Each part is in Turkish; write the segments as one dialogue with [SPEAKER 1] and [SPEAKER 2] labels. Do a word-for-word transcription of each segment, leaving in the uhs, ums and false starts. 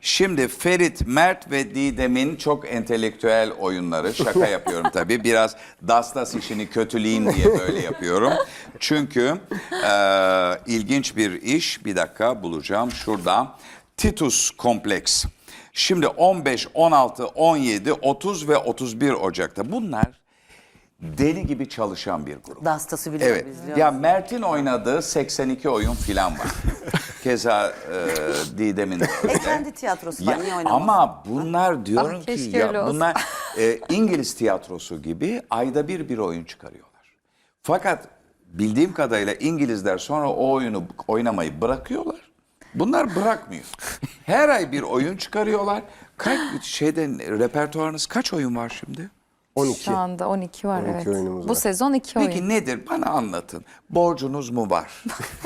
[SPEAKER 1] Şimdi Ferit, Mert ve Didem'in çok entelektüel oyunları. Şaka yapıyorum tabii. Biraz dastas işini kötüleyeyim diye böyle yapıyorum. Çünkü e, ilginç bir iş. Bir dakika bulacağım şurada. Titus Kompleks. Şimdi on beş, on altı, on yedi, otuz ve otuz bir Ocak'ta. Bunlar deli gibi çalışan bir grup.
[SPEAKER 2] Dastas'ı biliyor
[SPEAKER 1] Evet.
[SPEAKER 2] biz.
[SPEAKER 1] Ya Mert'in oynadığı seksen iki oyun filan var. Keza e, Didem'in.
[SPEAKER 2] E kendi tiyatrosu var,
[SPEAKER 1] Ya,
[SPEAKER 2] niye oynamaz?
[SPEAKER 1] ama bunlar diyorum
[SPEAKER 3] Ah,
[SPEAKER 1] ki
[SPEAKER 3] keşke
[SPEAKER 1] ya
[SPEAKER 3] öyle olsa.
[SPEAKER 1] bunlar e, İngiliz tiyatrosu gibi ayda bir bir oyun çıkarıyorlar. Fakat bildiğim kadarıyla İngilizler sonra o oyunu oynamayı bırakıyorlar. Bunlar bırakmıyor. Her ay bir oyun çıkarıyorlar. Kaç şeyden repertuarınız kaç oyun var şimdi?
[SPEAKER 4] on iki.
[SPEAKER 3] Şu anda on iki var,
[SPEAKER 4] on iki
[SPEAKER 3] evet.
[SPEAKER 4] oyunumuz
[SPEAKER 3] Bu
[SPEAKER 4] var.
[SPEAKER 3] sezon iki
[SPEAKER 1] Peki
[SPEAKER 3] oyun.
[SPEAKER 1] nedir? Bana anlatın. Borcunuz mu var?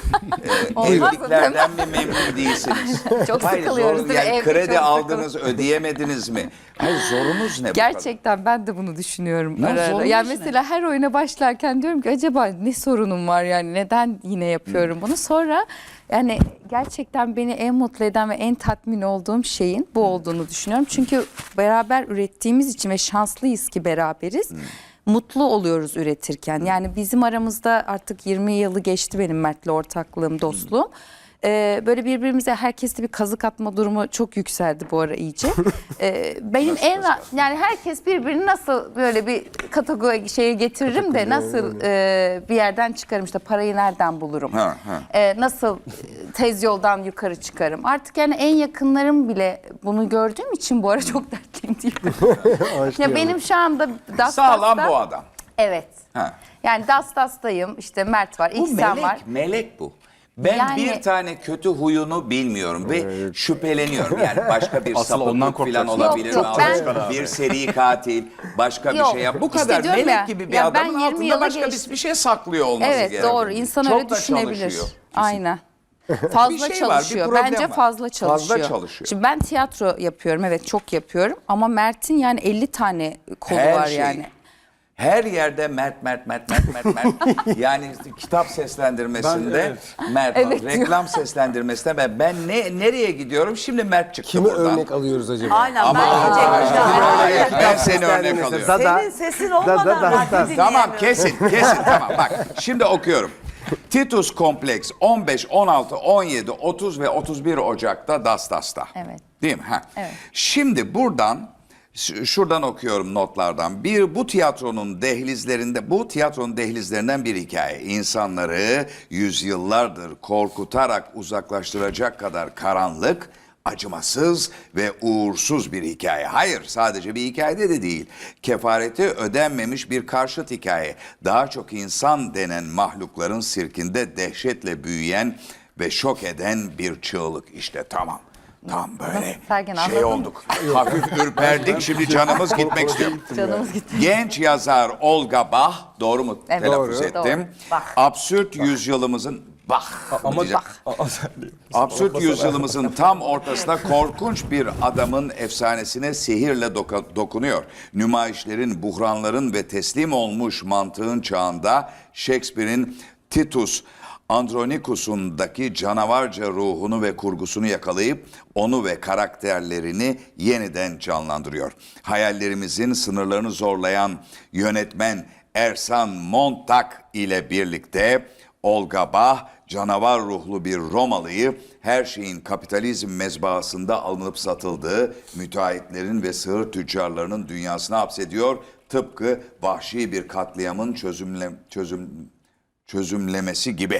[SPEAKER 1] ee,
[SPEAKER 3] Olmaz mı,
[SPEAKER 1] evliliklerden mi memnun değilsiniz?
[SPEAKER 3] Çok
[SPEAKER 1] Hayır,
[SPEAKER 3] sıkılıyoruz
[SPEAKER 1] zor-
[SPEAKER 3] değil mi?
[SPEAKER 1] yani
[SPEAKER 3] Evde
[SPEAKER 1] kredi
[SPEAKER 3] çok
[SPEAKER 1] aldınız, ödeyemediniz mi? Hayır, zorunuz ne bu kadar?
[SPEAKER 3] Gerçekten ben de bunu düşünüyorum
[SPEAKER 1] Ne
[SPEAKER 3] ara ara.
[SPEAKER 1] sorunuz
[SPEAKER 3] Yani
[SPEAKER 1] ne?
[SPEAKER 3] mesela her oyuna başlarken diyorum ki acaba ne sorunum var, yani neden yine yapıyorum bunu? Sonra yani gerçekten beni en mutlu eden ve en tatmin olduğum şeyin bu olduğunu düşünüyorum. Çünkü beraber ürettiğimiz için ve şanslıyız ki beraberiz. Mutlu oluyoruz üretirken. Yani bizim aramızda artık yirmi yılı geçti benim Mert'le ortaklığım, dostluğum. Ee, böyle birbirimize herkeste bir kazık atma durumu çok yükseldi bu ara iyice. Ee, benim en ra- yani herkes birbirini nasıl böyle bir kategori şeye getiririm de nasıl e, bir yerden çıkarım, işte parayı nereden bulurum?
[SPEAKER 1] Ha, ha.
[SPEAKER 3] Ee, nasıl tez yoldan yukarı çıkarım? Artık yani en yakınlarım bile bunu gördüğüm için bu ara çok dertliyim diyorum. Ya benim şu anda Das
[SPEAKER 1] Sağlam
[SPEAKER 3] Das'ta-
[SPEAKER 1] bu adam.
[SPEAKER 3] Evet.
[SPEAKER 1] Ha.
[SPEAKER 3] Yani Das Das'tayım, işte Mert var,
[SPEAKER 1] Bu
[SPEAKER 3] İhsan
[SPEAKER 1] melek,
[SPEAKER 3] var.
[SPEAKER 1] melek bu. Ben
[SPEAKER 3] Yani-
[SPEAKER 1] bir tane kötü huyunu bilmiyorum ve şüpheleniyorum. Yani başka bir
[SPEAKER 5] Asıl ondan
[SPEAKER 1] sapıklık falan
[SPEAKER 5] korkacaksın.
[SPEAKER 1] olabilir
[SPEAKER 3] Yok,
[SPEAKER 1] mi?
[SPEAKER 3] yok, ben-
[SPEAKER 1] Bir seri katil, başka bir
[SPEAKER 3] Yok,
[SPEAKER 1] şey yap. Bu
[SPEAKER 3] işte
[SPEAKER 1] kadar
[SPEAKER 3] diyorum
[SPEAKER 1] melek
[SPEAKER 3] ya,
[SPEAKER 1] gibi bir
[SPEAKER 3] ya ben
[SPEAKER 1] adamın
[SPEAKER 3] yirmi
[SPEAKER 1] altında
[SPEAKER 3] yıla
[SPEAKER 1] başka bir,
[SPEAKER 3] geçtim.
[SPEAKER 1] bir şey saklıyor olması
[SPEAKER 3] Evet,
[SPEAKER 1] gerekiyor.
[SPEAKER 3] doğru. İnsan
[SPEAKER 1] Çok
[SPEAKER 3] öyle
[SPEAKER 1] da
[SPEAKER 3] düşünebilir.
[SPEAKER 1] çalışıyor.
[SPEAKER 3] Aynen. Fazla
[SPEAKER 1] Bir şey var, bir
[SPEAKER 3] çalışıyor.
[SPEAKER 1] problem
[SPEAKER 3] Bence
[SPEAKER 1] var.
[SPEAKER 3] fazla çalışıyor.
[SPEAKER 1] Fazla çalışıyor.
[SPEAKER 3] Şimdi ben tiyatro yapıyorum, evet çok yapıyorum. Ama Mert'in yani elli tane kolu
[SPEAKER 1] Her
[SPEAKER 3] var
[SPEAKER 1] şey.
[SPEAKER 3] yani.
[SPEAKER 1] Her yerde Mert, Mert, Mert, Mert, Mert, Mert. Yani işte kitap seslendirmesinde
[SPEAKER 5] Ben- evet.
[SPEAKER 1] Mert,
[SPEAKER 3] Evet diyor.
[SPEAKER 1] reklam seslendirmesinde ben, ben ne nereye gidiyorum? Şimdi Mert çıktı
[SPEAKER 4] Kimi
[SPEAKER 1] buradan.
[SPEAKER 4] örnek alıyoruz acaba?
[SPEAKER 2] Aynen,
[SPEAKER 1] Ama
[SPEAKER 2] ben diyecektim.
[SPEAKER 1] Hayır,
[SPEAKER 2] Aynen.
[SPEAKER 1] ben seni örnek alıyorum.
[SPEAKER 4] Da- da-
[SPEAKER 2] Senin sesin
[SPEAKER 4] da-
[SPEAKER 2] olmadan
[SPEAKER 4] da- da-
[SPEAKER 2] radyo
[SPEAKER 4] da-
[SPEAKER 2] dinleyemiyorum.
[SPEAKER 1] Tamam, kesin kesin tamam bak şimdi okuyorum. Titus Kompleks on beş, on altı, on yedi, otuz ve otuz bir Ocak'ta Dastas'ta.
[SPEAKER 3] Evet.
[SPEAKER 1] Değil mi? Ha.
[SPEAKER 3] Evet.
[SPEAKER 1] Şimdi buradan ş- şuradan okuyorum notlardan. Bir bu tiyatronun dehlizlerinde bu tiyatronun dehlizlerinden bir hikaye. İnsanları yüzyıllardır korkutarak uzaklaştıracak kadar karanlık, acımasız ve uğursuz bir hikaye. Hayır, sadece bir hikayede de değil. Kefareti ödenmemiş bir karşıt hikaye. Daha çok insan denen mahlukların sirkinde dehşetle büyüyen ve şok eden bir çığlık. İşte tamam. Tam böyle
[SPEAKER 3] Sergen,
[SPEAKER 1] şey
[SPEAKER 3] anladın mı?
[SPEAKER 1] olduk. Hafif ürperdik, şimdi canımız gitmek istiyor.
[SPEAKER 3] Canımız gitti.
[SPEAKER 1] Genç yazar Olga Bach, doğru mu
[SPEAKER 3] Evet.
[SPEAKER 1] telaffuz
[SPEAKER 4] Doğru.
[SPEAKER 1] ettim?
[SPEAKER 3] Doğru. Bach.
[SPEAKER 1] Absürt yüzyılımızın Bach.
[SPEAKER 5] Ama
[SPEAKER 1] diyeceğim.
[SPEAKER 5] Aa, sen değil.
[SPEAKER 1] Absürt yüzyılımızın tam ortasında korkunç bir adamın efsanesine sihirle doka- dokunuyor. Nümayişlerin, buhranların ve teslim olmuş mantığın çağında Shakespeare'in Titus Andronicus'undaki canavarca ruhunu ve kurgusunu yakalayıp onu ve karakterlerini yeniden canlandırıyor. Hayallerimizin sınırlarını zorlayan yönetmen Ersan Montag ile birlikte Olga Bach, canavar ruhlu bir Romalıyı her şeyin kapitalizm mezbahasında alınıp satıldığı müteahhitlerin ve sığır tüccarlarının dünyasına hapsediyor. Tıpkı vahşi bir katliamın çözümle, çözüm, çözümlemesi gibi.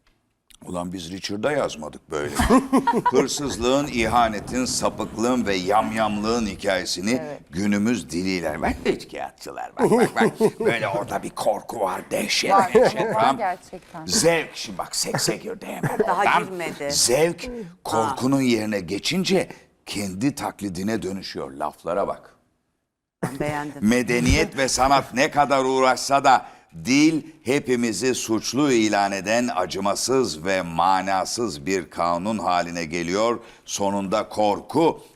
[SPEAKER 1] Ulan biz Richard'a yazmadık böyle. Hırsızlığın, ihanetin, sapıklığın ve yamyamlığın hikayesini günümüz diliyle. Bak üçkağıtçılar bak bak bak. Böyle orada bir korku var, dehşet,
[SPEAKER 3] Var,
[SPEAKER 1] dehşet.
[SPEAKER 3] var
[SPEAKER 1] tamam.
[SPEAKER 3] gerçekten.
[SPEAKER 1] Zevk, şimdi bak sekse girdi hemen.
[SPEAKER 2] Daha
[SPEAKER 1] oradan.
[SPEAKER 2] girmedi.
[SPEAKER 1] Zevk korkunun yerine geçince kendi taklidine dönüşüyor. Laflara bak.
[SPEAKER 2] Beğendim.
[SPEAKER 1] Medeniyet ve sanat ne kadar uğraşsa da dil hepimizi suçlu ilan eden acımasız ve manasız bir kanun haline geliyor. Sonunda korku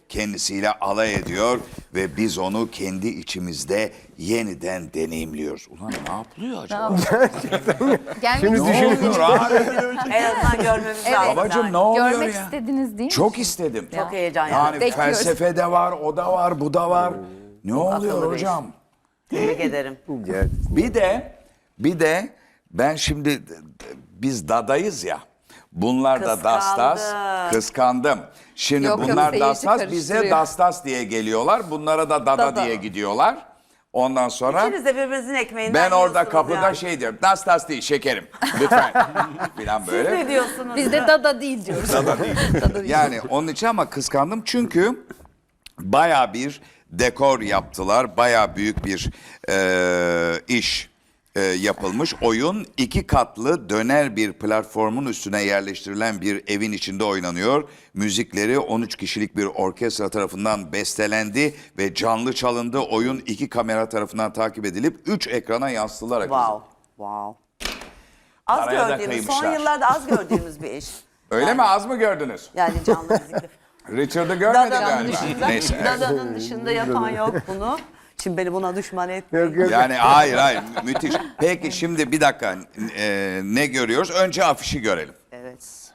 [SPEAKER 1] kendisiyle alay ediyor ve biz onu kendi içimizde yeniden deneyimliyoruz. Ulan ne yapılıyor acaba?
[SPEAKER 3] Gelmek
[SPEAKER 4] Şimdi
[SPEAKER 1] Ne
[SPEAKER 3] istediniz-
[SPEAKER 1] oluyor abi?
[SPEAKER 2] En azından görmemiz
[SPEAKER 3] Evet.
[SPEAKER 2] lazım.
[SPEAKER 1] Babacım
[SPEAKER 2] yani.
[SPEAKER 1] ne oluyor
[SPEAKER 3] Görmek
[SPEAKER 1] ya?
[SPEAKER 3] istediniz değil mi?
[SPEAKER 1] Çok istedim.
[SPEAKER 2] Çok heyecan
[SPEAKER 1] Yani
[SPEAKER 2] yani.
[SPEAKER 3] Bekliyoruz.
[SPEAKER 1] felsefe de var, o da var, bu da var. Ne oluyor
[SPEAKER 2] akıllı bir iş.
[SPEAKER 1] hocam?
[SPEAKER 2] Tebrik ederim.
[SPEAKER 1] Bir de bir de ben şimdi biz dadayız ya. Bunlar da
[SPEAKER 2] Kıskandı.
[SPEAKER 1] dastas. Kıskandım. Şimdi
[SPEAKER 3] Yok, yok,
[SPEAKER 1] bunlar
[SPEAKER 3] seyirci
[SPEAKER 1] dastas bize
[SPEAKER 3] karıştırıyor.
[SPEAKER 1] dastas diye geliyorlar. Bunlara da dada,
[SPEAKER 3] Dada.
[SPEAKER 1] diye gidiyorlar. Ondan sonra
[SPEAKER 2] İkiniz de birbirinizin ekmeğinden
[SPEAKER 1] ben orada
[SPEAKER 2] yiyorsunuz
[SPEAKER 1] kapıda
[SPEAKER 2] yani.
[SPEAKER 1] şey diyorum. Das değil şekerim. Lütfen. Falan
[SPEAKER 2] Siz
[SPEAKER 1] böyle.
[SPEAKER 2] ne diyorsunuz?
[SPEAKER 3] Biz de dada değil diyoruz.
[SPEAKER 1] Dada değil. Yani onun için ama kıskandım çünkü baya bir dekor yaptılar. Baya büyük bir e, iş e, yapılmış. Oyun iki katlı döner bir platformun üstüne yerleştirilen bir evin içinde oynanıyor. Müzikleri on üç kişilik bir orkestra tarafından bestelendi ve canlı çalındı. Oyun iki kamera tarafından takip edilip üç ekrana yansıtılarak
[SPEAKER 2] Wow. Wow. Az
[SPEAKER 1] Paraya da
[SPEAKER 2] gördüğümüz, son
[SPEAKER 1] kıymışlar.
[SPEAKER 2] yıllarda az gördüğümüz bir iş.
[SPEAKER 1] Öyle
[SPEAKER 2] Yani-
[SPEAKER 1] mi? Az mı gördünüz?
[SPEAKER 2] Yani canlı müzikli.
[SPEAKER 1] Richard'ı görmedin
[SPEAKER 2] Dadanın
[SPEAKER 1] galiba.
[SPEAKER 2] dışında,
[SPEAKER 1] Neyse. evet.
[SPEAKER 2] Dadanın dışında yapan yok bunu. Şimdi beni buna düşman etmeyin.
[SPEAKER 4] Yok yok.
[SPEAKER 1] Yani hayır hayır mü- müthiş. Peki şimdi bir dakika e, ne görüyoruz? Önce afişi görelim.
[SPEAKER 2] Evet.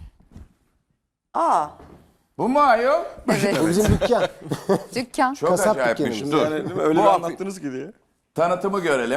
[SPEAKER 2] Aa,
[SPEAKER 1] Bu mu ayol?
[SPEAKER 3] Evet.
[SPEAKER 4] Bu bizim dükkan.
[SPEAKER 3] Dükkan.
[SPEAKER 1] Çok
[SPEAKER 4] Kasap
[SPEAKER 1] acayipmiş.
[SPEAKER 4] dükkanımız.
[SPEAKER 1] Dur.
[SPEAKER 5] Yani değil mi? Öyle
[SPEAKER 1] Bu
[SPEAKER 5] bir
[SPEAKER 1] afi-
[SPEAKER 5] anlattınız ki diye.
[SPEAKER 1] Tanıtımı görelim.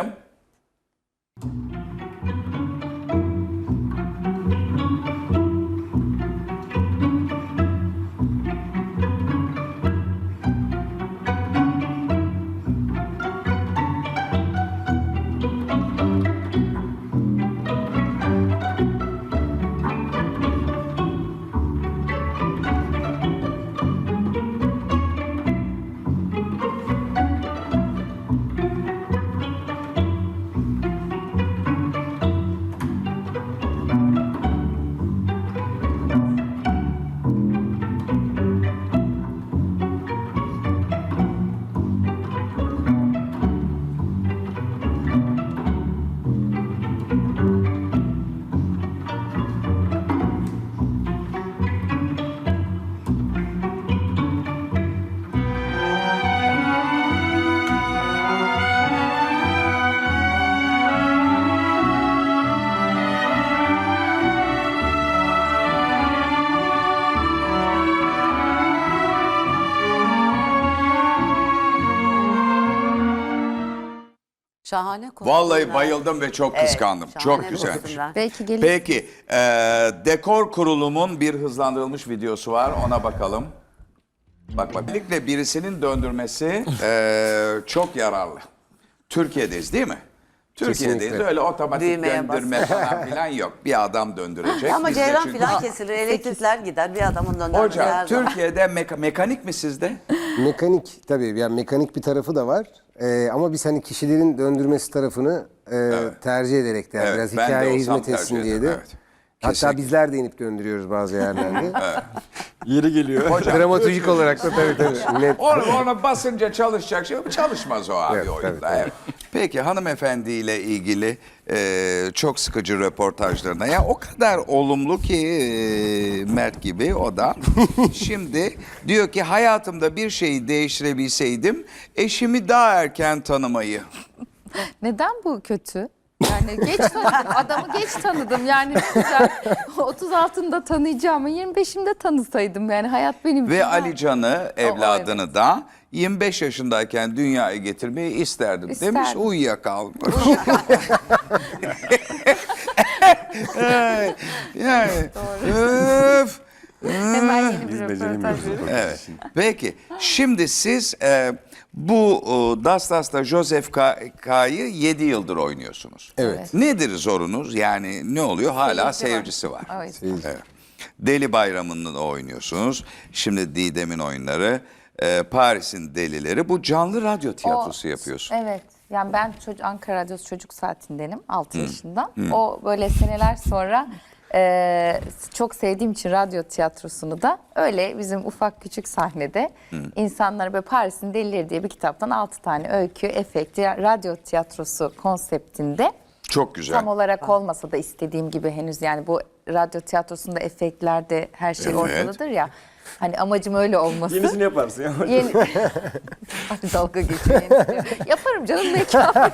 [SPEAKER 2] şahane kostümler.
[SPEAKER 1] Vallahi bayıldım ve çok
[SPEAKER 2] Evet,
[SPEAKER 1] kıskandım.
[SPEAKER 2] şahane
[SPEAKER 1] Çok güzelmiş.
[SPEAKER 2] kostümler.
[SPEAKER 3] Belki gelir.
[SPEAKER 1] Peki e, dekor kurulumun bir hızlandırılmış videosu var. Ona bakalım. Bak bak. Özellikle birisinin döndürmesi e, çok yararlı. Türkiye'deyiz değil mi? Türkiye'deyiz.
[SPEAKER 4] Kesinlikle.
[SPEAKER 1] Öyle otomatik
[SPEAKER 2] Düğmeye
[SPEAKER 1] döndürme falan filan yok. Bir adam döndürecek.
[SPEAKER 2] Ama
[SPEAKER 1] Biz de
[SPEAKER 2] ceylan
[SPEAKER 1] çünkü-
[SPEAKER 2] filan kesilir, elektrikler gider, bir adamın döndürmesi
[SPEAKER 1] Hocam
[SPEAKER 2] her zaman.
[SPEAKER 1] Türkiye'de meka- mekanik mi sizde?
[SPEAKER 4] Mekanik tabii yani mekanik bir tarafı da var. Ee, ama biz hani kişilerin döndürmesi tarafını e, tercih ederek de yani
[SPEAKER 1] Evet,
[SPEAKER 4] biraz
[SPEAKER 1] ben de
[SPEAKER 4] hikayeye
[SPEAKER 1] olsam
[SPEAKER 4] hizmet
[SPEAKER 1] tercih
[SPEAKER 4] etsin diye
[SPEAKER 1] ederim,
[SPEAKER 4] de.
[SPEAKER 1] evet.
[SPEAKER 4] Hatta
[SPEAKER 1] Kesinlikle.
[SPEAKER 4] bizler de inip döndürüyoruz bazı yerlerde.
[SPEAKER 5] Yeri geliyor.
[SPEAKER 4] Dramatolojik olarak da tabii tabii. Net.
[SPEAKER 1] Onu, ona basınca çalışacak şey çalışmaz o abi
[SPEAKER 4] Evet,
[SPEAKER 1] oyunda.
[SPEAKER 4] tabii, tabii.
[SPEAKER 1] Evet. Peki hanımefendiyle ilgili e, çok sıkıcı röportajlarına ya o kadar olumlu ki e, Mert gibi o da şimdi diyor ki hayatımda bir şeyi değiştirebilseydim eşimi daha erken tanımayı.
[SPEAKER 3] Neden bu kötü? Yani geç tanıdım. Adamı geç tanıdım. Yani ne güzel. otuz altında tanıyacağımı yirmi beşimde tanısaydım. Yani hayat benim için
[SPEAKER 1] Ve
[SPEAKER 3] daha-
[SPEAKER 1] Alican'ı evladını da yirmi beş yaşındayken dünyaya getirmeyi isterdim, demiş
[SPEAKER 3] İsterdim.
[SPEAKER 1] uyuyakalmış. yani, öf.
[SPEAKER 3] Hemen yeni bir
[SPEAKER 5] Biz
[SPEAKER 3] röportaj.
[SPEAKER 5] beceremiyoruz.
[SPEAKER 1] Evet. Peki şimdi siz e, bu e, Dastas'ta Joseph K- K'yı yedi yıldır oynuyorsunuz.
[SPEAKER 4] Evet.
[SPEAKER 1] Nedir zorunuz? Yani ne oluyor? Hala
[SPEAKER 3] Seyirci var.
[SPEAKER 1] seyircisi var.
[SPEAKER 3] Evet.
[SPEAKER 1] Evet. Deli Bayramı'nda oynuyorsunuz. Şimdi Didem'in oyunları, e, Paris'in Delileri. Bu canlı radyo tiyatrosu
[SPEAKER 3] O-
[SPEAKER 1] yapıyorsun.
[SPEAKER 3] Evet. Yani ben çocuk, Ankara Radyosu çocuk saatindenim altı yaşında. O böyle seneler sonra e, çok sevdiğim için radyo tiyatrosunu da öyle bizim ufak küçük sahnede insanlara böyle Paris'in Delileri diye bir kitaptan altı tane öykü, efekti, radyo tiyatrosu konseptinde
[SPEAKER 1] Çok güzel.
[SPEAKER 3] tam olarak olmasa da istediğim gibi henüz yani bu radyo tiyatrosunda efektlerde her şey
[SPEAKER 1] Evet.
[SPEAKER 3] ortadadır ya. Hani amacım öyle olması.
[SPEAKER 5] Yenisini yaparsın ya.
[SPEAKER 3] Yeni... Hadi dalga geçiyor. yenisini. Yaparım canım mekan.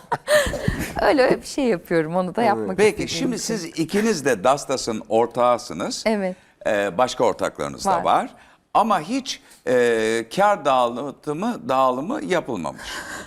[SPEAKER 3] öyle öyle bir şey yapıyorum. Onu da yapmak
[SPEAKER 1] Peki
[SPEAKER 3] istediğim
[SPEAKER 1] şimdi
[SPEAKER 3] için.
[SPEAKER 1] siz ikiniz de Dastas'ın ortağısınız.
[SPEAKER 3] Evet.
[SPEAKER 1] Ee, başka ortaklarınız da
[SPEAKER 3] Var.
[SPEAKER 1] var. Ama hiç e, kar dağılımı, dağılımı yapılmamış.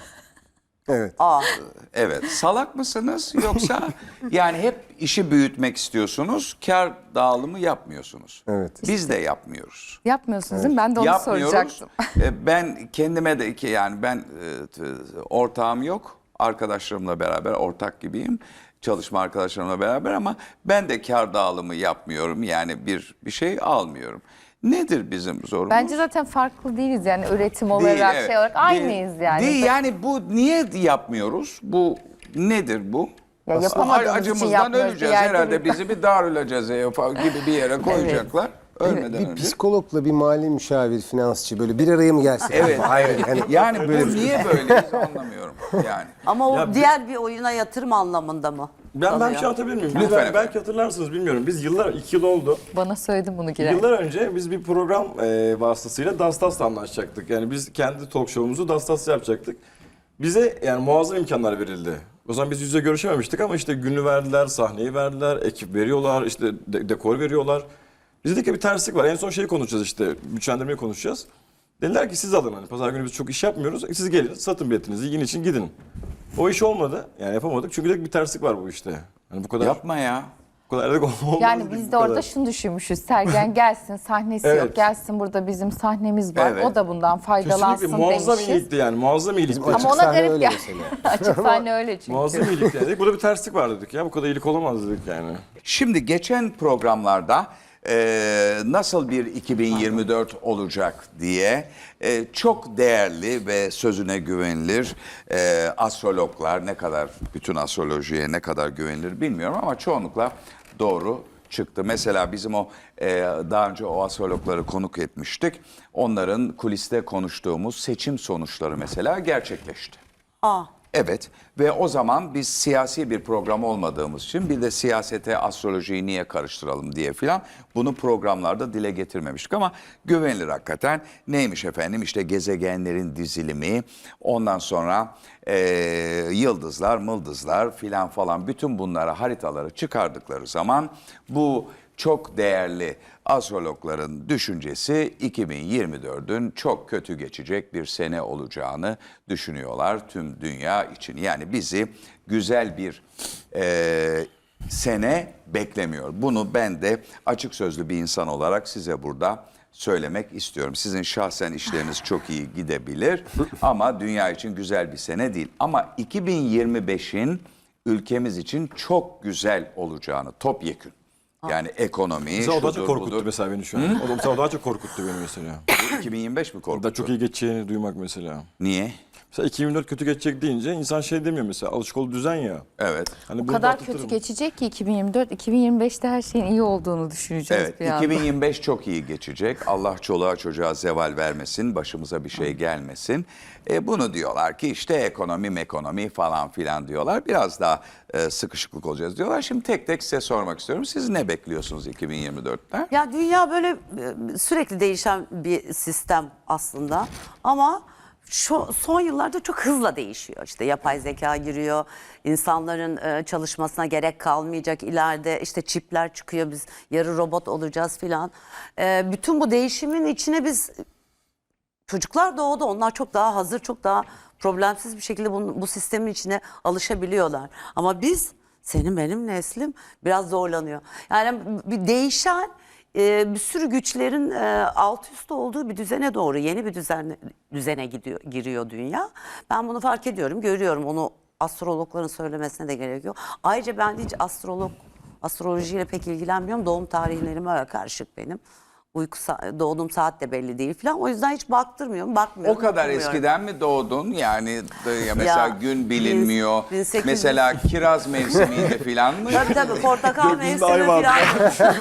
[SPEAKER 4] Evet.
[SPEAKER 2] Aa,
[SPEAKER 1] Evet. Salak mısınız yoksa yani hep işi büyütmek istiyorsunuz, kar dağılımı yapmıyorsunuz.
[SPEAKER 4] Evet.
[SPEAKER 1] Biz de yapmıyoruz.
[SPEAKER 3] Yapmıyorsunuz değil mi? Ben de onu
[SPEAKER 1] Yapmıyoruz.
[SPEAKER 3] soracaktım.
[SPEAKER 1] E, ben kendime de ki yani ben e, t- ortağım yok. Arkadaşlarımla beraber ortak gibiyim. Çalışma arkadaşlarımla beraber ama ben de kar dağılımı yapmıyorum. Yani bir bir şey almıyorum. Nedir bizim zorumuz?
[SPEAKER 3] Bence zaten farklı değiliz yani üretim olarak
[SPEAKER 1] evet.
[SPEAKER 3] şey olarak aynıyız
[SPEAKER 1] Değil,
[SPEAKER 3] yani.
[SPEAKER 1] Değil yani bu niye yapmıyoruz? Bu nedir bu?
[SPEAKER 3] Ya yapamadığımız için
[SPEAKER 1] Acımızdan
[SPEAKER 3] yapmıyoruz.
[SPEAKER 1] öleceğiz
[SPEAKER 3] Bir yerde
[SPEAKER 1] herhalde.
[SPEAKER 3] bir-
[SPEAKER 1] Bizi bir Darülacezeye falan gibi bir yere koyacaklar. Ölmeden
[SPEAKER 4] Bir
[SPEAKER 1] önce.
[SPEAKER 4] psikologla bir mali müşavir, finansçı böyle bir araya mı gelsek?
[SPEAKER 1] Evet,
[SPEAKER 4] Hayır.
[SPEAKER 1] evet.
[SPEAKER 4] Yani
[SPEAKER 1] Yani bu niye böyleyiz anlamıyorum yani.
[SPEAKER 2] ama o
[SPEAKER 5] Ya bir-
[SPEAKER 2] diğer bir oyuna yatırım anlamında mı?
[SPEAKER 5] Ben, ben
[SPEAKER 2] kalıyor?
[SPEAKER 5] bir şey anlatabilir miyim?
[SPEAKER 1] Lütfen
[SPEAKER 5] Ben-
[SPEAKER 1] efendim.
[SPEAKER 5] belki hatırlarsınız bilmiyorum. Biz yıllar, iki yıl oldu.
[SPEAKER 3] Bana söyledin bunu girer.
[SPEAKER 5] Yıllar önce biz bir program e, vasıtasıyla Dastas'la anlaşacaktık. Yani biz kendi talk show'umuzu Dastas'la yapacaktık. Bize yani muazzam imkanlar verildi. O zaman biz yüz yüze görüşememiştik ama işte günü verdiler, sahneyi verdiler, ekip veriyorlar, işte de- dekor veriyorlar. Biz dedik ki bir terslik var. En son şeyi konuşacağız işte, güçlendirmeyi konuşacağız. Dediler ki siz alın hani pazar günü biz çok iş yapmıyoruz. Siz gelin satın biletinizi yiyin için gidin. O iş olmadı. Yani yapamadık. Çünkü dedik bir terslik var bu işte. Hani bu kadar
[SPEAKER 1] Yapma ya.
[SPEAKER 5] bu kadar dedik olmaz.
[SPEAKER 3] Yani
[SPEAKER 5] dedik,
[SPEAKER 3] biz
[SPEAKER 5] bu
[SPEAKER 3] de orada
[SPEAKER 5] kadar.
[SPEAKER 3] şunu düşünmüşüz. Sergen gelsin, sahnesi
[SPEAKER 5] Evet.
[SPEAKER 3] yok. Gelsin burada bizim sahnemiz var.
[SPEAKER 1] Evet.
[SPEAKER 3] O da bundan faydalansın
[SPEAKER 5] Kesinlikle muazzam
[SPEAKER 3] demişiz.
[SPEAKER 5] iyilikti yani. Muazzam iyilik.
[SPEAKER 4] Açık
[SPEAKER 3] Ama ona
[SPEAKER 4] sahne
[SPEAKER 3] garip
[SPEAKER 4] öyle
[SPEAKER 3] gel.
[SPEAKER 4] mesela.
[SPEAKER 3] Açık sahne öyle çünkü.
[SPEAKER 5] Muazzam iyilik dedik. Burada bir terslik var dedik ya. Bu kadar iyilik olamaz dedik yani.
[SPEAKER 1] Şimdi geçen programlarda e, nasıl bir iki bin yirmi dört olacak diye e, çok değerli ve sözüne güvenilir e, astrologlar, ne kadar bütün astrolojiye ne kadar güvenilir bilmiyorum ama çoğunlukla doğru çıktı. Mesela bizim o e, daha önce o astrologları konuk etmiştik. Onların kuliste konuştuğumuz seçim sonuçları mesela gerçekleşti.
[SPEAKER 2] Aa,
[SPEAKER 1] Evet ve o zaman biz siyasi bir program olmadığımız için bir de siyasete astrolojiyi niye karıştıralım diye filan bunu programlarda dile getirmemiştik ama güvenilir hakikaten. Neymiş efendim işte gezegenlerin dizilimi ondan sonra eee, yıldızlar mıldızlar filan falan bütün bunlara haritaları çıkardıkları zaman bu çok değerli astrologların düşüncesi iki bin yirmi dördün çok kötü geçecek bir sene olacağını düşünüyorlar tüm dünya için. Yani bizi güzel bir eee, sene beklemiyor. Bunu ben de açık sözlü bir insan olarak size burada söylemek istiyorum. Sizin şahsen işleriniz çok iyi gidebilir ama dünya için güzel bir sene değil. Ama iki bin yirmi beşin ülkemiz için çok güzel olacağını topyekün. Yani ekonomi,
[SPEAKER 5] Mesela o daha çok
[SPEAKER 1] şudur
[SPEAKER 5] korkuttu
[SPEAKER 1] budur.
[SPEAKER 5] mesela beni şu an. O da mesela o daha çok korkuttu beni mesela.
[SPEAKER 1] iki bin yirmi beş mi
[SPEAKER 5] Da
[SPEAKER 1] korkuttu?
[SPEAKER 5] çok iyi geçeceğini duymak mesela.
[SPEAKER 1] Niye?
[SPEAKER 5] Mesela iki bin yirmi dört kötü geçecek deyince insan şey demiyor mesela alışık olduğu düzen ya.
[SPEAKER 1] Evet.
[SPEAKER 5] Hani
[SPEAKER 3] O
[SPEAKER 5] bunu
[SPEAKER 3] kadar
[SPEAKER 5] atlatırım.
[SPEAKER 3] kötü geçecek ki iki bin yirmi dört, iki bin yirmi beşte her şeyin iyi olduğunu düşüneceğiz
[SPEAKER 1] Evet,
[SPEAKER 3] bir anda.
[SPEAKER 1] iki bin yirmi beş çok iyi geçecek. Allah çoluğa çocuğa zeval vermesin, başımıza bir şey gelmesin. E, bunu diyorlar ki işte ekonomi mekonomi falan filan diyorlar. Biraz daha e, sıkışıklık olacağız diyorlar. Şimdi tek tek size sormak istiyorum. Siz ne bekliyorsunuz iki bin yirmi dörtte?
[SPEAKER 2] ya dünya böyle e, sürekli değişen bir sistem aslında ama şu son yıllarda çok hızla değişiyor. İşte yapay zeka giriyor, insanların e, çalışmasına gerek kalmayacak. İleride işte çipler çıkıyor, biz yarı robot olacağız filan. E, bütün bu değişimin içine biz çocuklar doğdu. Onlar çok daha hazır, çok daha problemsiz bir şekilde bu, bu sistemin içine alışabiliyorlar. Ama biz, senin benim neslim biraz zorlanıyor. Yani bir değişen e, bir sürü güçlerin e, alt üst olduğu bir düzene doğru, yeni bir düzene, düzene gidiyor, giriyor dünya. Ben bunu fark ediyorum, görüyorum. Onu astrologların söylemesine de gerek yok. Ayrıca ben hiç astrolog, astrolojiyle pek ilgilenmiyorum. Doğum tarihlerime karışık benim. Uyku sa- doğduğum saat de belli değil falan. O yüzden hiç baktırmıyorum, bakmıyorum.
[SPEAKER 1] O kadar
[SPEAKER 2] bakmıyorum.
[SPEAKER 1] eskiden mi doğdun? Yani de- ya mesela
[SPEAKER 2] Ya,
[SPEAKER 1] gün bilinmiyor.
[SPEAKER 2] bin sekiz yüz
[SPEAKER 1] Mesela kiraz mevsimiydi filan mı?
[SPEAKER 2] Tabii tabii portakal
[SPEAKER 5] Gökyüzünde ay
[SPEAKER 2] mevsimi
[SPEAKER 5] vardı.
[SPEAKER 2] falan.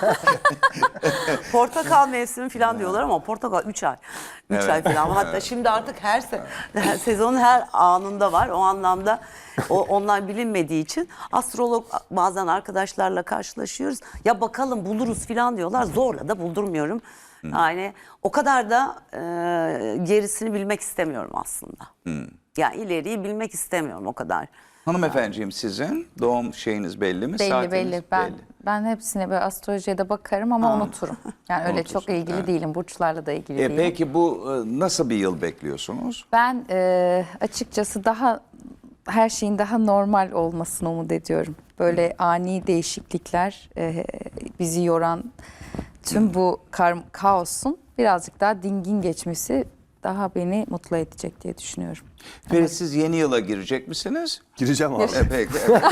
[SPEAKER 2] Portakal mevsimi falan diyorlar ama portakal üç ay. üç ay falan. Hatta şimdi artık her, se her sezonun her anında var. O anlamda o onlar bilinmediği için astrolog bazen arkadaşlarla karşılaşıyoruz. Ya bakalım buluruz falan diyorlar. Zorla da buldurmuyorum. Yani o kadar da e, gerisini bilmek istemiyorum aslında. Ya ileriyi bilmek istemiyorum o kadar.
[SPEAKER 1] Hanımefendiciğim sizin doğum şeyiniz belli mi?
[SPEAKER 3] Belli
[SPEAKER 1] Saatiniz
[SPEAKER 3] belli. Ben
[SPEAKER 1] belli.
[SPEAKER 3] ben hepsine böyle astrolojiye de bakarım ama unuturum. Yani öyle çok ilgili değilim. Burçlarla da ilgili
[SPEAKER 1] E,
[SPEAKER 3] değilim.
[SPEAKER 1] peki bu e, nasıl bir yıl bekliyorsunuz?
[SPEAKER 3] Ben e, açıkçası daha her şeyin daha normal olmasını umut ediyorum. Böyle ani değişiklikler e, bizi yoran tüm bu kar- kaosun birazcık daha dingin geçmesi daha beni mutlu edecek diye düşünüyorum.
[SPEAKER 1] Ferit siz yeni yıla girecek misiniz?
[SPEAKER 6] Gireceğim abi.
[SPEAKER 1] E, peki.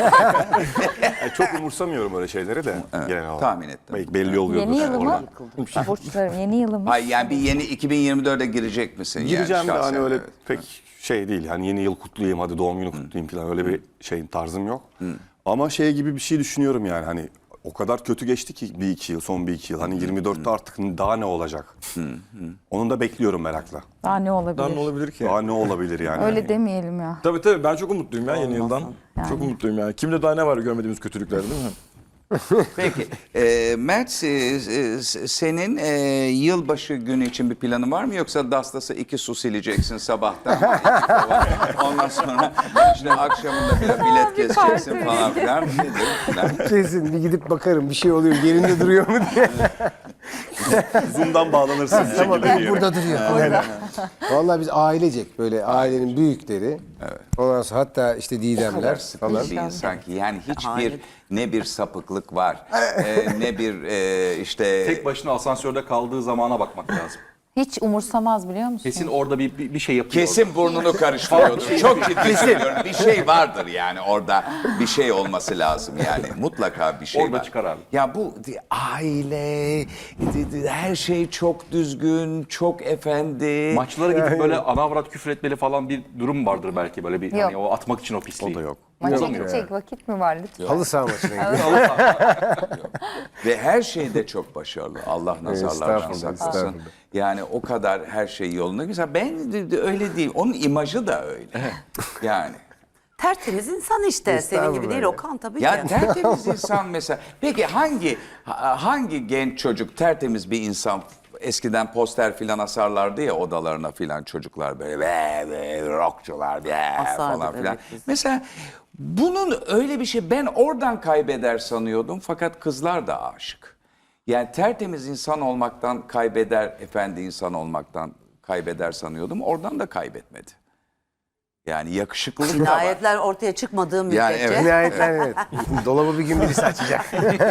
[SPEAKER 6] Yani çok umursamıyorum öyle şeyleri de genel olarak.
[SPEAKER 1] tahmin ettim.
[SPEAKER 6] Belki belli oluyordur.
[SPEAKER 3] Yeni yılı mı?
[SPEAKER 6] oradan.
[SPEAKER 3] Burçlarım yeni yılı mı?
[SPEAKER 1] Hayır yani bir yeni iki bin yirmi dörde girecek misin? yani
[SPEAKER 6] Gireceğim de
[SPEAKER 1] şahsen?
[SPEAKER 6] hani öyle
[SPEAKER 1] Evet.
[SPEAKER 6] pek şey değil. Hani yeni yıl kutlayayım, hadi doğum günü kutlayayım falan öyle bir şeyin tarzım yok. Ama şey gibi bir şey düşünüyorum yani hani o kadar kötü geçti ki bir iki yıl, son bir iki yıl. Hani yirmi dörtte artık daha ne olacak? Onun da bekliyorum merakla.
[SPEAKER 3] Daha ne olabilir?
[SPEAKER 5] Daha ne olabilir ki?
[SPEAKER 6] Daha ne olabilir yani?
[SPEAKER 3] Öyle demeyelim ya.
[SPEAKER 5] Tabii tabii ben çok umutluyum ya yeni yıldan. Çok umutluyum yani. Kimde daha ne var görmediğimiz kötülükler değil mi?
[SPEAKER 1] Peki. E, Mert e, e, senin e, yılbaşı günü için bir planın var mı? Yoksa Dastas'a iki su sileceksin sabahtan. Ondan sonra işte akşamında bir bilet keseceksin falan filan. Nedir? Filan.
[SPEAKER 4] Kesin bir gidip bakarım bir şey oluyor yerinde duruyor mu diye.
[SPEAKER 6] Zoom'dan bağlanırsın bir
[SPEAKER 4] Tamam
[SPEAKER 6] şekilde diye.
[SPEAKER 4] burada duruyor. Aynen. Vallahi biz ailecek böyle ailenin büyükleri. Ondan sonra hatta işte Didemler falan.
[SPEAKER 1] Bir insan ki yani hiçbir
[SPEAKER 2] Hayır.
[SPEAKER 1] ne bir sapıklık var e, ne bir e, işte
[SPEAKER 7] Tek başına asansörde kaldığı zamana bakmak lazım.
[SPEAKER 3] Hiç umursamaz biliyor musun?
[SPEAKER 7] Kesin orada bir, bir, bir şey yapıyor.
[SPEAKER 1] kesin burnunu karıştırıyordur. Çok ciddi söylüyorum. Bir şey vardır yani orada bir şey olması lazım yani mutlaka bir şey
[SPEAKER 7] Orada
[SPEAKER 1] var.
[SPEAKER 7] çıkar abi.
[SPEAKER 1] Ya bu di- aile di- di- her şey çok düzgün, çok efendi.
[SPEAKER 7] Maçlara gidip böyle ana avrat küfür etmeli falan bir durum vardır belki böyle bir
[SPEAKER 3] Yok.
[SPEAKER 7] hani o atmak için o pisliği.
[SPEAKER 6] O da yok.
[SPEAKER 3] Maça gidecek vakit mi var lütfen?
[SPEAKER 4] Halı saha maçına gidiyor.
[SPEAKER 1] Ve her şeyde çok başarılı. Allah nazarlardan
[SPEAKER 4] Estağfurullah,
[SPEAKER 1] saklasın.
[SPEAKER 4] estağfurullah.
[SPEAKER 1] Yani o kadar her şey yolunda. Mesela ben de- de öyle değil. Onun imajı da öyle. Yani.
[SPEAKER 2] Tertemiz insan işte. Senin gibi değil Okan tabii
[SPEAKER 1] Ya
[SPEAKER 2] ki.
[SPEAKER 1] tertemiz insan mesela. Peki hangi ha- hangi genç çocuk tertemiz bir insan eskiden poster filan asarlardı ya odalarına filan çocuklar böyle ve ve rockçular ve
[SPEAKER 2] Asardı,
[SPEAKER 1] falan filan.
[SPEAKER 2] evet, biz.
[SPEAKER 1] Mesela bunun öyle bir şey ben oradan kaybeder sanıyordum fakat kızlar da aşık. Yani tertemiz insan olmaktan kaybeder, efendi insan olmaktan kaybeder sanıyordum. Oradan da kaybetmedi. Yani yakışıklılık da var.
[SPEAKER 2] Cinayetler ortaya çıkmadığı müddetçe.
[SPEAKER 1] Yani evet.
[SPEAKER 4] Nihayetler evet. Dolabı bir gün birisi açacak.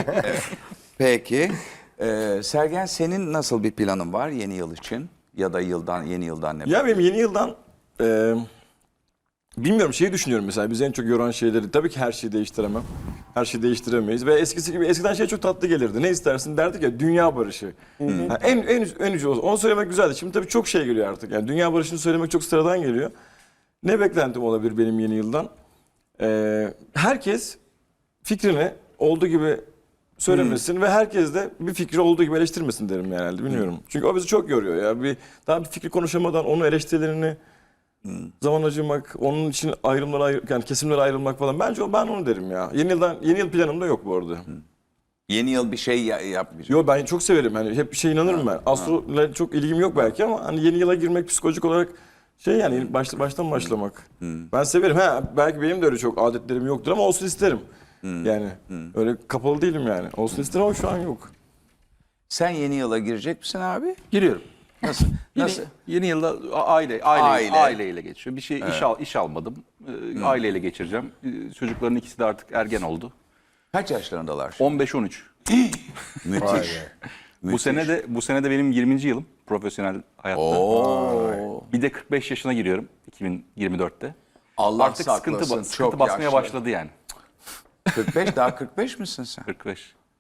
[SPEAKER 1] Peki. Ee, Sergen senin nasıl bir planın var yeni yıl için? Ya da yıldan yeni yıldan ne?
[SPEAKER 5] Ya benim yeni yıldan e, bilmiyorum şeyi düşünüyorum mesela bizi en çok yoran şeyleri tabii ki her şeyi değiştiremem. Her şeyi değiştiremeyiz ve eskisi gibi eskiden şey çok tatlı gelirdi. Ne istersin derdik ya dünya barışı. Ha, en en en ucu olsun. Onu söylemek güzeldi. Şimdi tabii çok şey geliyor artık. Yani dünya barışını söylemek çok sıradan geliyor. Ne beklentim olabilir benim yeni yıldan? Ee, herkes fikrini olduğu gibi söylemesin ve herkes de bir fikri olduğu gibi eleştirmesin derim herhalde bilmiyorum. Çünkü o bizi çok yoruyor ya. Bir daha bir fikri konuşamadan onun eleştirilerini zaman acımak, onun için ayrımlara ayr- yani kesimlere ayrılmak falan. Bence o ben onu derim ya. Yeni yıldan yeni yıl planım da yok bu arada.
[SPEAKER 1] Yeni yıl bir şey ya- yapmayacak.
[SPEAKER 5] Yo ben çok severim hani hep bir şey inanırım ben. Astro'yla çok ilgim yok belki ama hani yeni yıla girmek psikolojik olarak şey yani başta baştan başlamak. Ben severim. Ha belki benim de öyle çok adetlerim yoktur ama olsun isterim. Yani öyle kapalı değilim yani. Olsun isterim ama şu an yok.
[SPEAKER 1] Sen yeni yıla girecek misin abi?
[SPEAKER 7] Giriyorum.
[SPEAKER 1] Nasıl?
[SPEAKER 7] Yeni,
[SPEAKER 1] Nasıl?
[SPEAKER 7] yeni yılda a- aile, aile,
[SPEAKER 1] Aile.
[SPEAKER 7] aileyle geçiyor. Bir şey iş al, iş almadım. Ee, Aileyle geçireceğim. Ee, çocukların ikisi de artık ergen oldu.
[SPEAKER 1] Kaç yaşlarındalar? şimdi?
[SPEAKER 7] on beş on üç.
[SPEAKER 1] Müthiş.
[SPEAKER 7] Bu sene de bu sene de benim yirminci yılım profesyonel hayatta.
[SPEAKER 1] Oo.
[SPEAKER 7] Bir de kırk beş yaşına giriyorum iki bin yirmi dörtte.
[SPEAKER 1] Allah
[SPEAKER 7] Artık sıkıntı,
[SPEAKER 1] saklasın.
[SPEAKER 7] ba- sıkıntı
[SPEAKER 1] Çok
[SPEAKER 7] basmaya
[SPEAKER 1] yaşlı.
[SPEAKER 7] başladı yani.
[SPEAKER 1] kırk beş daha kırk beş misin sen?
[SPEAKER 7] kırk beş.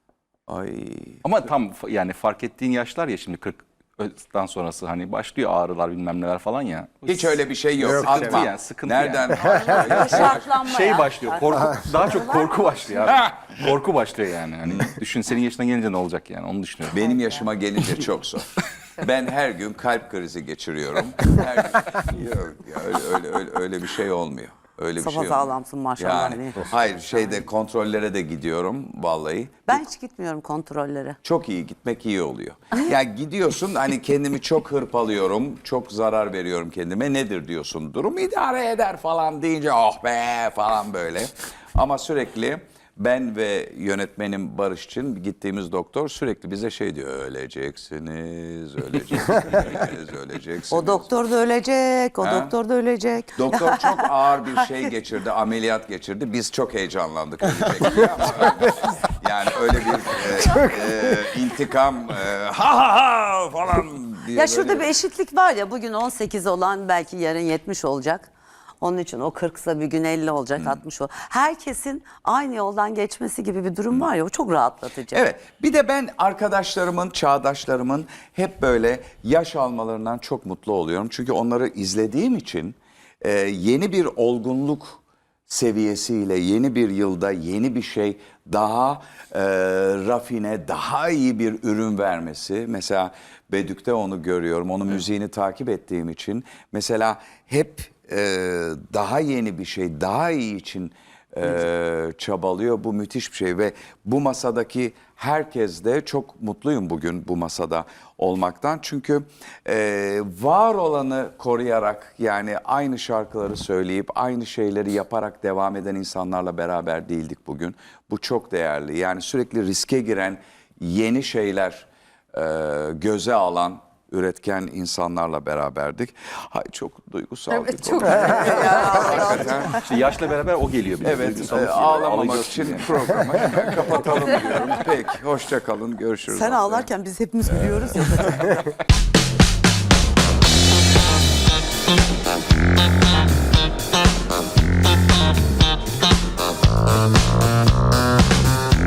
[SPEAKER 1] Ay.
[SPEAKER 7] Ama tam fa- yani fark ettiğin yaşlar ya şimdi kırktan sonrası hani başlıyor ağrılar bilmem neler falan ya.
[SPEAKER 1] Hiç öyle bir şey yok.
[SPEAKER 4] Yok,
[SPEAKER 1] Atma.
[SPEAKER 7] sıkıntı yani, sıkıntı
[SPEAKER 1] Nereden?
[SPEAKER 2] Şartlanma
[SPEAKER 7] Şey
[SPEAKER 2] ya.
[SPEAKER 7] başlıyor korku daha çok korku başlıyor abi. Korku başlıyor yani. Hani düşün senin yaşına gelince ne olacak yani onu düşünüyorum.
[SPEAKER 1] Benim yaşıma gelince çok zor. Ben her gün kalp krizi geçiriyorum. Her gün. Yok, ya öyle, öyle, öyle, öyle bir şey olmuyor. Öyle bir şey olmuyor.
[SPEAKER 2] Sapasağlamsın maşallah.
[SPEAKER 1] Yani,
[SPEAKER 2] hani.
[SPEAKER 1] hayır şeyde kontrollere de gidiyorum vallahi.
[SPEAKER 2] Ben hiç gitmiyorum kontrollere.
[SPEAKER 1] Çok iyi gitmek iyi oluyor. Ya gidiyorsun hani kendimi çok hırpalıyorum, çok zarar veriyorum kendime. Nedir diyorsun? Durum idare eder falan deyince oh be falan böyle. Ama sürekli ben ve yönetmenim Barış için gittiğimiz doktor sürekli bize şey diyor. Öleceksiniz, öleceksiniz, öleceksiniz.
[SPEAKER 2] O doktor da ölecek, o
[SPEAKER 1] Ha?
[SPEAKER 2] doktor da ölecek.
[SPEAKER 1] Doktor çok ağır bir şey geçirdi, ameliyat geçirdi. Biz çok heyecanlandık ölecek diye ama yani öyle bir e, e, intikam e, ha ha ha falan diye
[SPEAKER 2] Ya şurada
[SPEAKER 1] böyle-
[SPEAKER 2] bir eşitlik var ya, bugün on sekiz olan belki yarın yetmiş olacak. Onun için o kırksa bir gün elli olacak, altmış o. Herkesin aynı yoldan geçmesi gibi bir durum var ya, o çok rahatlatıcı.
[SPEAKER 1] Evet. Bir de ben arkadaşlarımın, çağdaşlarımın hep böyle yaş almalarından çok mutlu oluyorum. Çünkü onları izlediğim için e, yeni bir olgunluk seviyesiyle yeni bir yılda yeni bir şey daha e, rafine, daha iyi bir ürün vermesi. Mesela Bedük'te onu görüyorum. Onun müziğini takip ettiğim için. Mesela hep e, daha yeni bir şey, daha iyi için e, çabalıyor. Bu müthiş bir şey ve bu masadaki herkes de çok mutluyum bugün bu masada olmaktan. Çünkü e, var olanı koruyarak yani aynı şarkıları söyleyip aynı şeyleri yaparak devam eden insanlarla beraber değildik bugün. Bu çok değerli. Yani sürekli riske giren yeni şeyler e, göze alan üretken insanlarla beraberdik. Hay çok duygusal bir
[SPEAKER 3] Evet,
[SPEAKER 1] konu.
[SPEAKER 3] çok
[SPEAKER 1] Hakikaten.
[SPEAKER 7] İşte yaşla beraber o geliyor. bir de,
[SPEAKER 1] Evet,
[SPEAKER 7] duygusal
[SPEAKER 1] e,
[SPEAKER 7] bir şey.
[SPEAKER 1] ağlamamak
[SPEAKER 7] Ağlayacağız
[SPEAKER 1] için
[SPEAKER 7] yani.
[SPEAKER 1] programı hemen kapatalım diyorum. Peki, hoşça kalın, görüşürüz.
[SPEAKER 2] Sen
[SPEAKER 1] haftaya.
[SPEAKER 2] ağlarken biz hepimiz gülüyoruz ya.